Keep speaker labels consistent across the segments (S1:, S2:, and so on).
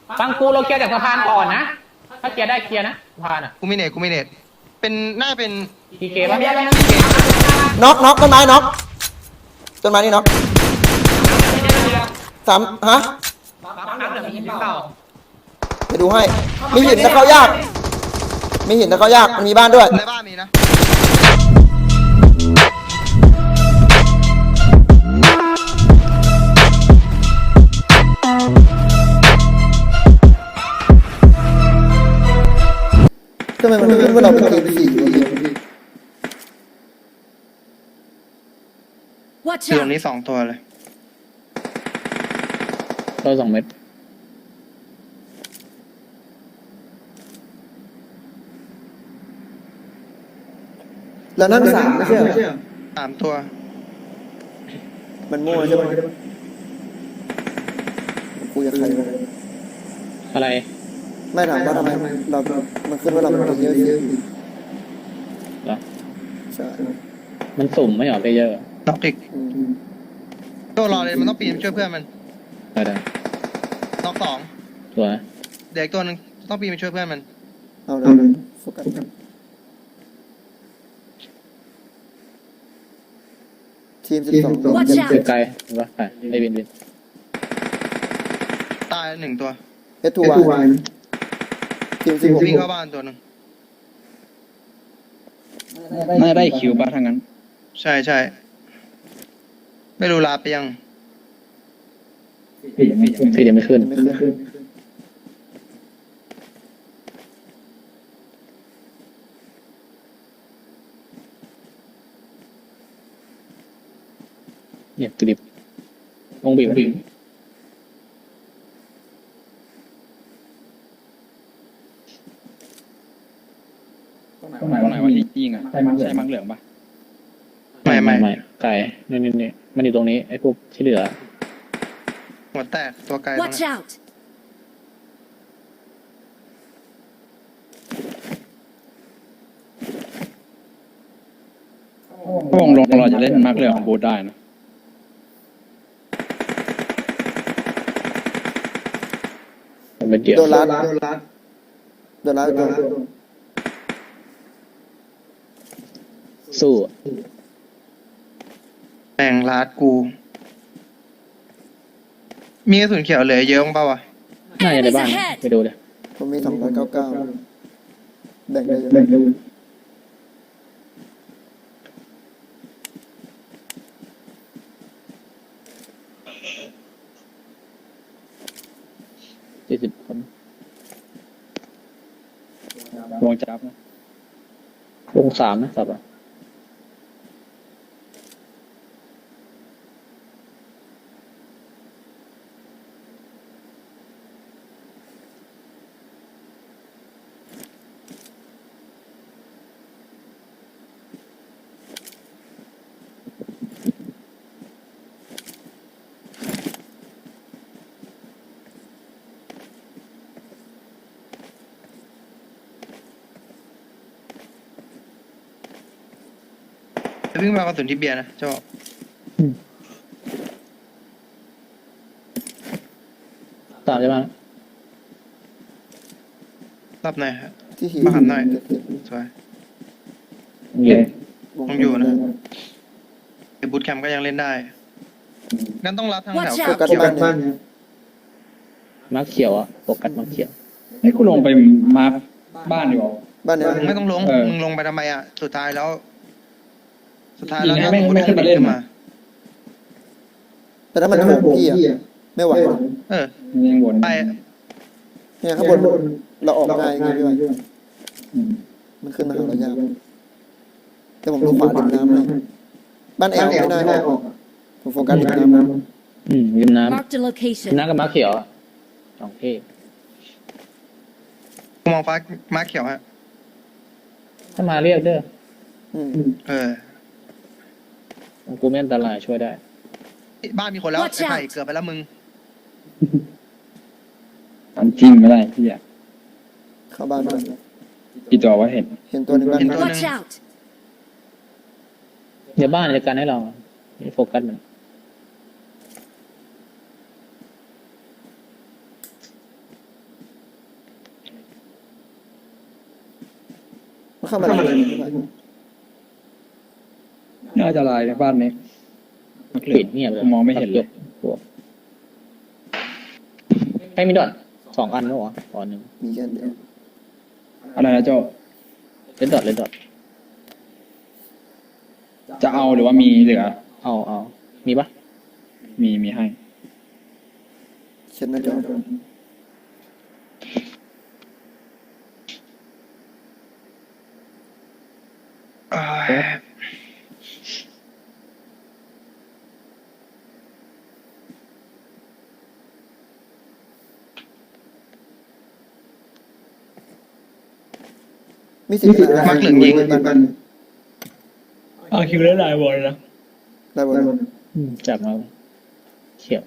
S1: ฟังกูเราเคลียร์จากสะพานก่อนนะถ้าเคลียร์ได้เคลียร์นะสะพานอ่ะ
S2: กูมีเน็ตเป็นน่าเป็น
S1: ทีเกป่ะ
S3: น็อกต้นไม้น็อกต้นไม้นี่น็อกสามฮะไปดูให้มีหินแต่เข้ายากมีหินแต่เข้ายากมันมีบ้านด้วย
S2: ในบ้านมีนะ
S3: ทำไมมันขึ้นว่าเราเป็นทีมสี่
S2: คือตรงนี้2 ตัวเลย
S1: ตัว2 เม็ด
S3: แล้วนั่น3ไม่ใช่เหรอ
S2: 3 ตัว
S3: มันมั่วใช่ไหมกูอยากใคร
S1: อะไร
S3: ไม่ถามว่าทำไมเรามันขึ้นว่าเราเป็นเยอะ
S1: เหรอ
S3: ใช่
S1: มันสุ่มไม่หรอไปเยอะ
S2: น็อกอีกตัวรอเลยมันต้องปีนช่วยเพื่อนมัน
S1: ได้
S2: น็อก2
S1: ตัว
S2: เด็กตัวนึงต้องปีนไปช่วยเพื่อนมัน
S3: เอาเลยโฟกัสทีม12
S1: ไกลเห็นปะไปไอ้บิน
S2: ตาย1 ตัว
S3: S2Y ทีม16
S2: วิ่งเข้าบ้านตัวนึง
S1: น่าได้คิวป่ะทางนั้น
S2: ใช่ไม่รู้ลาไปยัง
S1: พี่ยังไม่ขึ้นเนี่ยกริบวงบีบ
S4: ตรงไหนวะยิงอ่ะใช่มังเหลืองปะ
S1: ไม่ไก่นี่มันอยู่ตรงนี้ไอ้พวกที่เหลือ
S2: หัวแตกตัวไกล
S5: Watch out
S4: ถ้าวงลงเราจะเล่นมังเหลืองของบูธได้นะ
S1: เป็นเดียว
S3: โดนลัด
S1: สู้
S2: แม่งลาดกูมีกระสุนเขียวเหลือเยอะมั้งเปล่าวะ
S1: น่าจะในบ้านไปดูเลย
S3: ผมมี299แบ่งได้
S1: 40 คน
S4: วงจับนะ
S1: วง3นะสับอ่ะ
S2: วิ่งมากระสุนที่เบียร์นะเจ้า
S1: 3ใช่ไหม
S2: รับหน่อยฮะ
S3: ที่หิน
S2: มาหันหน่อยสวยต้องอยู่นะไอ้บูทแคมป์ก็ยังเล่นได้งั้นต้องรับทางแถว
S3: โฟกัสบ้าน
S1: มาร์คเขียวอ่ะโฟกัสมาร์คเขียว
S4: ให้กูลงไปมาบ้านดีกว่า
S3: บ้านเนี้ย
S2: ไม่ต้องลงมึงลงไปทำไมอ่ะสุดท้ายแล้ว
S4: ไม่ขึ้นมาเล่นมา
S3: แต่ถ้ามันโผล่พี่อ่ะไม่ไหว
S4: ยังวน
S2: ไป
S3: เนี่ยข้างบนเราออกง่ายไงพี่วันมันขึ้นมาหาเรายากแต่ผมดูขวาริมน้ำเลยบ้านแอลไม่ได้ออกผมโฟกัสริมน้ำ
S1: ริมน้ำ
S5: Marked a location
S1: น้ำกับมาร์คเขียว2 ที่
S2: มองฟ้าม้าเขียวฮะ
S1: ถ้ามาเรียกเด้อกูไม่อันตรายช่วยได้
S2: บ้านมีคนแล้วไอ้ไข่เกือบไปแล้วมึง
S4: มันจริงไม่ได้พี่อ่ะ
S3: เข้าบ้านไป
S4: กี่ตัววะเห็น
S3: ตัวหนึ่งบ้าน
S5: Watch out
S1: เดี๋ยวบ้านจะกันให้เราโฟกัสมัน
S3: มันเข้ามาในนี้พี่ไผ่
S4: น่าจะลายในบ้านนี้มักเหลื
S1: ปิ
S4: อ
S1: ดเงียบเลย
S4: ผมมองไม่เห็นเลย
S1: พวกใครมีดอท2 อันแล้วเหรอตอนหนึ่ง
S3: มีแค่เดียว
S4: อะไรนะโจ
S1: เลดดอทเลดดอท
S4: จะเอาหรือว่ามีเหลือ
S1: เอามีปะ
S4: มีให้
S3: เช็ดหน้าจอ มีสิทธิ์
S2: มักเหลืองยิง
S3: บ้าน
S4: คิวเล่นลายวอลนะ
S3: ได้บอล
S1: จับมาเขียว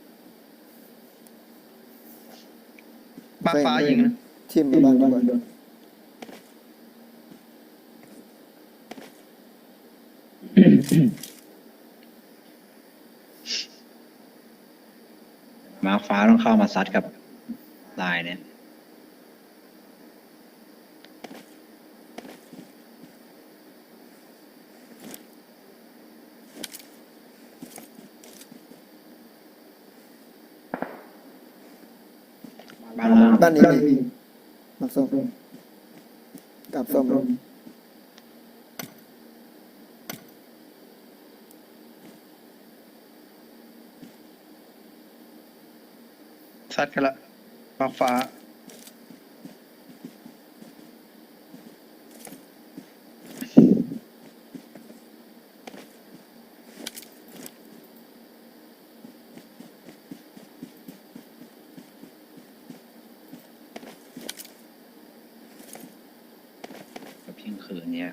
S2: มาฟ้ายิงนะ
S3: ทีมมาบ้านดีกว่า
S5: มาร์คฟ้าต้องเข้ามาซัดกับลายเนี่ยบ้านล่าง
S3: บ้านนี้มีมักส้มกับส้ม
S2: ซัดกันละมาฟ้า
S5: กับเที่ยงคืนเนี้ย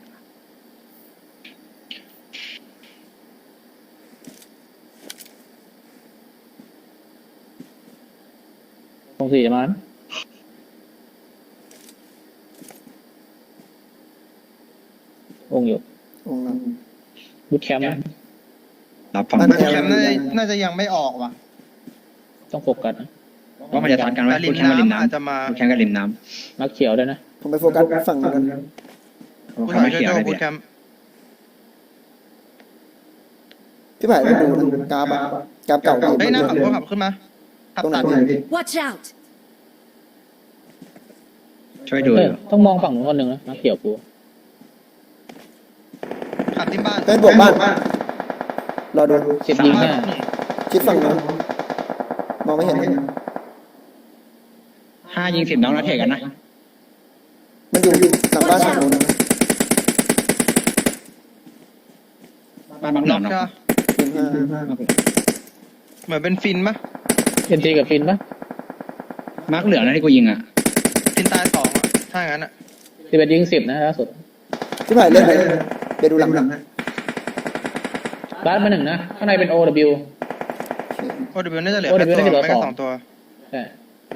S1: ตรงสี่จะมานะองค์อยู่
S3: องค์ละ
S1: บูทแคมป์นะ
S5: รับฟัง
S3: บ้าน
S2: แคมป์น่าจะยังไม่ออกว่ะ
S1: ต้องโฟกัสนะ
S5: ว่ามันจะทันกันไหม
S2: แต่ริ
S5: พู
S2: ม
S5: ดแค่กับริม
S2: น้ำอาจจะ
S5: น้ำ
S2: มา
S5: พูดแค่กับริมน้
S1: นักเขียวด้วยนะ
S3: ผมไปโฟกัสฝั่งนู้นกัน
S5: ำ
S2: ผู้
S5: เขา
S2: ชาย
S5: ไม่
S2: ช่วย
S5: เขียว
S2: โจ
S5: เลย
S2: บู
S5: พี่
S2: ทแคมป์
S3: พี่ไผ่ไปดูนะกราฟอะกราฟเก่า
S2: เฮ้ยหน้าขับรถขับขึ้นมาขับ
S3: ตรงไหน
S2: ตัด
S3: พี่
S6: Watch out!
S5: ช่วยดู
S1: เอ
S5: อ
S1: อยู่ ต้องมองฝั่งนู้นคนหนึ่งนะนักเขียวกู
S2: ขับที่บ้าน
S3: เป็นบวกบ้านรอดู
S1: เจ็บยิงหน้า
S3: ชิดฝั่งนู้นมองไม่เห็น
S5: 5 ยิง 10น้องนัดเทกันนะ
S3: มันอยู่หลังบ้านฝั่งนู้นนะ
S5: บ้านบางหน
S2: น็
S5: อ
S2: อน ก
S5: เนาะ
S2: ใช่ปะ
S3: ทีมห้า
S2: เหมือนเป็นฟินปะ
S1: เอ็นทีกับฟินปะ
S5: มาร์คเหลืองนะที่กูยิงอ่ะ
S2: ฟินตาย2อ่ะถ้างั้นอ่ะ
S1: 11 ยิง 10นะล่าสุด
S3: พี่ไผ่เล่นไปดูหลังนะ
S1: บ้านมา1นะข้างในเป็น OW
S2: โอเดบิวน่าจะเหลือ
S1: OW
S2: แค่ตัว
S1: น่าจะเหลือ
S2: ไม่ก็
S1: สอง
S2: 2 ตัว
S1: ใช่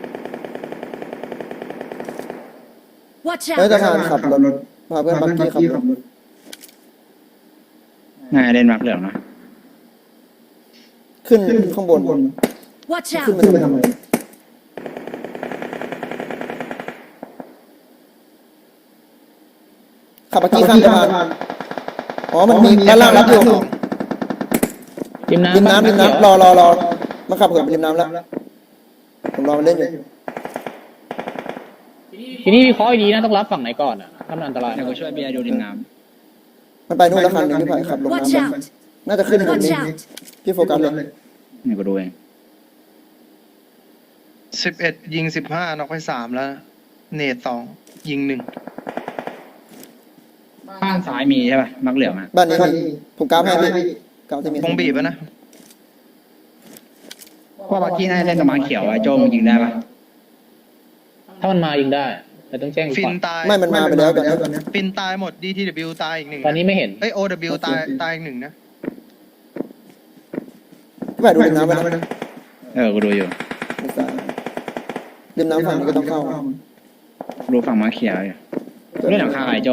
S6: Watch
S3: เฮ้ย
S6: out!
S3: ทหารขับรถพาเพื่อนบักกี้ขับรถ
S5: น่าจะเล่นมาร์คเหลืองนะ
S3: ขึ้นข้างบน
S6: Watch
S3: ขึ้น
S6: out!
S3: มาทำไมขับบักกี้ข้ามสะพานอ๋อมันมีด้านล่างรับอยู่
S1: ริมน้ำ
S3: ริมน้ำ
S1: บ้า
S3: ริม
S1: เขียว
S3: น้ำรอมาขับเหินไปริมน้ำแล้วผมรอมันเล่นอยู่
S1: ทีนี้วิเคราะห์ให้ดีนะต้องรับฝั่งไหนก่อนอ่ะถ้ามันอันตราย
S5: เดี๋ยวกูช่วยเบียร์ดูริมน้
S3: มันไปนู่นแล้วคันหนึงพี่ไผ่ขับลง
S6: Watch
S3: น้ำ
S6: out!
S3: น่าจะขึ้นบน
S6: Watch
S3: นี้
S6: out!
S3: พี่โฟกัสเลย
S5: ำเดี๋ยวกูดูเอง
S2: 11 ยิง 15น็อกไป3แล้ว เนต2ยิง
S5: บ้านซ้ายมีใช่ป่ะมาร์คเหลืองอ่ะ
S3: บ้านนี้มีผมกราฟให้พี่กราฟจะมี
S2: 1วงบีบอะนะ
S5: ว่าบักกี้น่าจะเล่นกับมาร์คเขียวไอ้โจ้มึงยิงได้ป่ะ
S1: ถ้ามันมายิงได้ แต่ต้องแจ้ง
S2: ฟิ
S1: ก่
S2: น
S1: อน
S2: ตาย
S3: ไม่มันมาไปแล้วตอนนี้
S2: ฟินตายหมด DTW ตายอีก 1
S1: ตอนนี้ไม่เห็น
S2: เอ้ย OW ตายอีก 1 นะ
S3: พี่ไผ่ดูริมน้ำไปนะ
S5: กูดูอยู่
S3: ริมน้ำฝั่งนี้ก็ต้องเข้า
S5: ดูฝั่งมาร์คเขียวอยู่เล่นหลังคาไอ้โจ้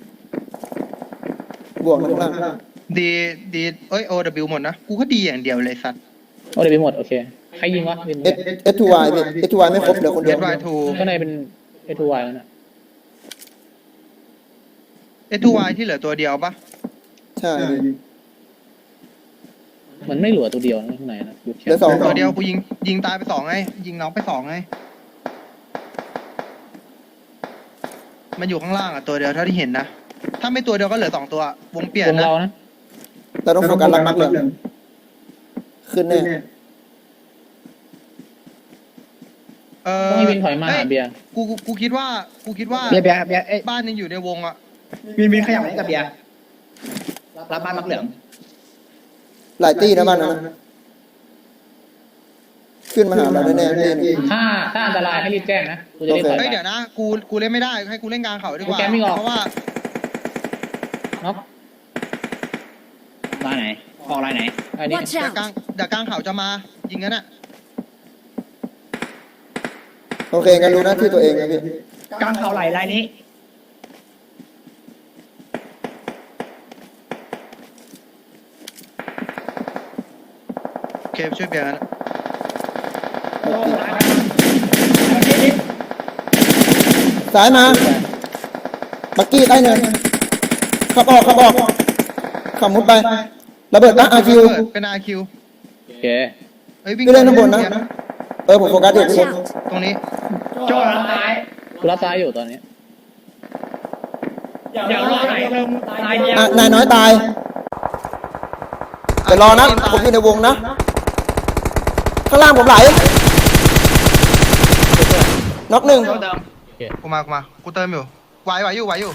S3: บวกข้างล่าง
S2: ดีเอ้ย OW หมดนะ กูก็ดีอย่างเดียวเลยสัตว์
S1: โอ้เดี๋ยวไปหมดโอเคใครยิงวะริม
S3: S2Y พี่ S2Y ไม่ครบเหลือคนเดียว
S2: SY2
S1: ข้างในเป็น A2Y แล้วนะ
S2: S2Y ที่เหลือตัวเดียวปะ
S3: ใช่
S1: มันไม่เหลือตัวเดียวนะข้างในนะยุบ
S3: เหลือสอง
S2: ตัวเดียวกูยิงตายไป2ไงยิงน้องไป2ไงมันอยู่ข้างล่างอ่ะตัวเดียวเท่าที่เห็นนะถ้าไม่ตัวเดียวก็เหลือ2ตัววงเปลี่ยน
S1: วง
S2: นะ
S1: เรานะ
S3: เราต้องโฟกัสหลักๆเลยขึ้นแน่
S1: ต้องให้วินถอยมา
S2: เฮ้
S1: หาเบียร์
S2: กูคิดว่า
S4: เบียร์เอ้ย
S2: บ้านยังอยู่ในวงอ่ะ
S4: วินขยับมาให้กับเบียร์รับบ้านมักเหลือง
S3: หลายตีนะบ้านนั้นนะขึ้นมาหาเราแน่ๆตีหนึง
S1: ถ้าอันตรายให้รีบแจ้งนะกูจะรีบถอย
S2: เฮ้ย
S1: ไป
S2: เดี๋ยวนะกูเล่นไม่ได้ให้กูเล่นกลางเขาดีกว่า
S1: โอเคไม่ออก
S2: เพราะว่า
S1: น็อก
S4: ลายไหนออกลายไหน
S1: อันนี้
S6: Watch
S2: เดี๋ยวกลาง
S6: out!
S2: เดี๋ยวกลางเขาจะมายิงกันอ่ะ
S3: โอเคงั้นรู้หน้าที่ตัวเองนะพี่
S4: กลางเขาไหลลายนี้
S2: โอเคช่วยเบียร์กันนะ
S3: ซ้ายมาบักกี้ใต้เนินขับออกขับมุดไประเบิดตั้งอาคิว
S2: เป็น RQ
S1: โอเค
S2: เฮ้ยวิ่ง
S3: พี่เล่นข้างบนนะผมโฟกัสอยู่
S6: Watch
S3: พี่
S6: out!
S2: ตรงนี้
S4: โจ้รับตาย
S1: กูรับซ้ายอยู่ตอนนี้
S4: เดี๋ยวรอไหนตายเดียว
S3: นายน้อยตายเดี๋ยวรอนะผมอยู่ในวงนะข้างล่างผมไหลน็อกหนึ่ง
S4: เติม
S2: กูมากูเติมอยู่ไหวอยู่
S3: ไหว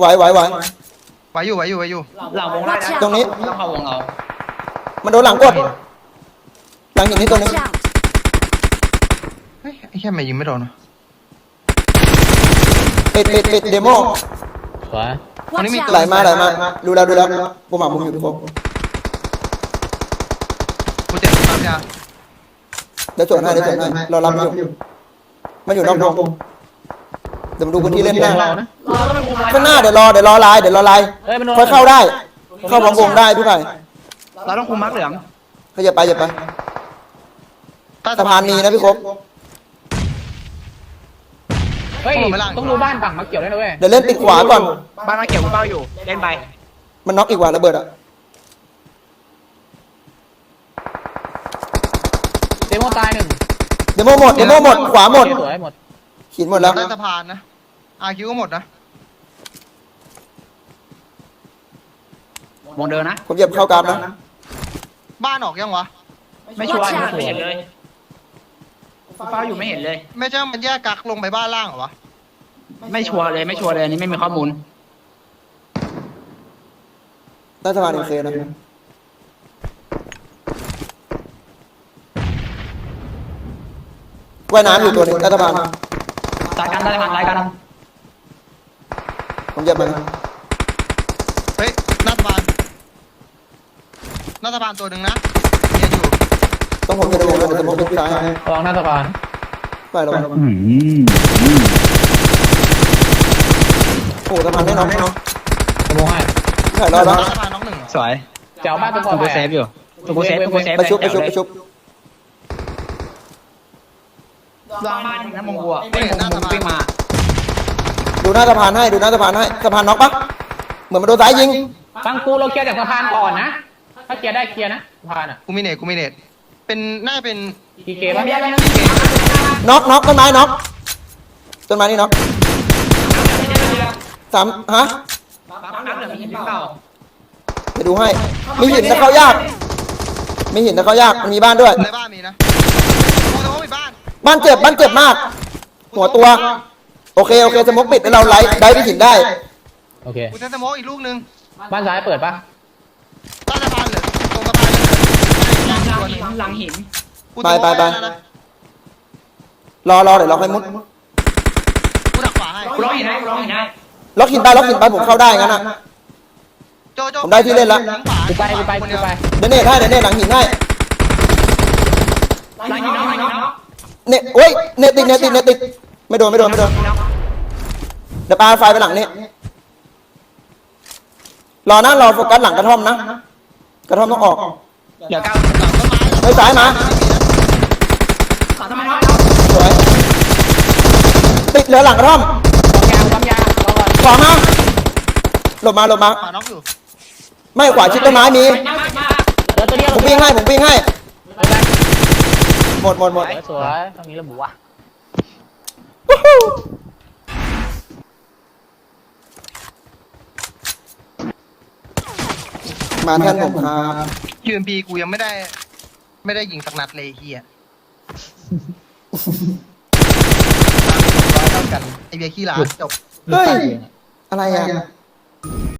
S4: หลังวงไล่นะ
S3: ตรงนี้
S4: ต้องเข้าวงเรา
S3: มันโดนหลังกดหลังหินนี่ตัวนึง
S6: Watch out!
S2: เฮ้ยไอ้แค่ไม่ยิงไม่โดนวะ
S3: ปิดเดโม
S1: ขวา
S6: Watch
S3: ไหล
S6: out!
S3: มาดูแล้วผมหามุมอยู่ทุกคน
S2: กูเจ็บตามยา
S3: เดี๋ยวสวนให้เรารับอยู่มันอยู่นอกวงเดี๋ยวมาดูพื้นที่เล่นหน้า
S1: เรานะ
S3: ข้างหน้าเดี๋ยวรอไลน์
S1: เฮ้ยมันโดน
S3: ค่อยเข้าได้ เข้าพร้อมวงได้พี่ไผ่
S4: เราต้องคุมมักเหลือง
S3: เขาอย่าไปสะพานมีนะพี่ครบ
S1: เฮ้ยต้องดูบ้านฝั่งมาเกี่ยวด้วยนะเว้ย
S3: เดี๋ยวเล่นปิดขวาก่อน
S4: บ้านมาเกี่ยวเป้าอยู่เล่นไป
S3: มันน็อกอีกว่าระเบิดอะ
S1: เดโมตายหนึ่ง
S3: เดโมหมดขวาหมด
S1: สวยหมด
S3: หินหมดแล้ว
S2: ใต้สะพานนะ RQ ก็หมดนะ
S4: วงเดินนะ
S3: ผมเหยียบเข้ากราฟนะ
S2: บ้านออกยังวะ
S4: ไม่ชัวร์ไม่เห็นเลยเป้าอยู่ไม่เห็นเลย
S2: ไม่ใช่มันแยกกักลงไปบ้านล่างเหรอวะ
S4: ไม่ชัวร์เลยอันนี้ไม่มีข้อมูล
S3: ใต้สะพานโอเคนะว่ายน้ำอยู่ตัวนึงใต้สะพาน
S4: ตายกัน
S3: ผมเหยียบมัน
S2: เฮ้ยหน้าสะพานตัวหนึ่งนะเนียนอยู่
S3: ต้องผมอยู่ในวงแล้วเดี๋ยวจะมองเป็นซ้าย
S1: ระวังหน้าสะพาน
S3: ไปแล้วโอ้สะพานไม่น็อก
S1: ขโมยให้
S3: พี่ไผ่รอดแล้ว
S2: หน้าสะพานน้องหนึ่งเหรอ
S4: สวย
S1: เจ้าบ้านตัวพอ
S4: ตัว
S1: ไป
S4: เซฟอยู่ตัวเซฟ
S3: ไปชุบ
S4: ลองมาน้ำมงบัววิ่งมา
S3: ดูหน้าสะพานให้สะพานน็อกปะเหมือนมันโดนซ้ายยิง
S1: ฟังกูเราเคลียร์จากสะพานก่อนนะถ้าเคลียร์ได้เคลียร์นะสะพานอ่ะ
S2: กูมีเน็ตเป็นน่าเป็น
S1: ทีเกป่ะ
S3: น็อกต้นไม้น็อกต้นไม้นี่น็อกสามฮะ
S4: น้ำเหลืองมีหินเปล่า
S3: เดี๋ยวดูให้มีหินแต่เข้ายากมันมีบ้านด้วย
S2: ในบ้านมีนะกูจะว่ามีบ้าน
S3: บ้านเจ็บมาก หัวตัวโอเคสมกปิดแล้วเราไล่ได้ไปหินได้
S1: โอเค
S2: กูจะสโมกอีกลูกนึง
S1: บ้านซ้ายเปิดปะ
S2: ใต้สะพานเหลือตรงสะพานเหลือใต้ตัวนึง
S4: หลังหิน
S2: กูสโมก
S3: ไป
S2: ด้นะ
S3: รอเดี๋ยวเราให้มุด
S2: กูดักขวาให้
S4: ร้องหินได้
S3: ล็อกหินไปผมเข้าได้งั้นน่ะ
S2: โจ
S3: ผมได้ที่เล่นละ
S1: กูไป
S2: คนเดียว
S3: เดี๋ยวเนตหลังหินให้
S4: หลังหินน้อง
S3: เนตโอ้ยเนตติดไม่โดนเดี๋ยวปาไฟไปหลังนี่รอโฟกัสหลังกระท่อมนะกระท่อมต้องออก
S4: เดี๋ยวก้าว
S3: ไปซ้ายมา
S4: ขอทำไมน้อง
S3: สวยติดเหลือหลังกระท่อม
S1: ความยาวรอก่อน
S3: ขวามาหลบมา
S2: ขวาน็อกอยู่
S3: ไม่ขวาชิดต้นไม้มีผมวิ่งให้หมด
S1: สวยตรงนี้ระบุว่ะ
S3: มาแทนผมครับ
S2: UMP กูยังไม่ได้ยิงสักนัดเลยเฮียร้อยเท่ากันไอเบียร์ขี้ร้านจบ
S3: เฮ้ยอะไรอ่ะ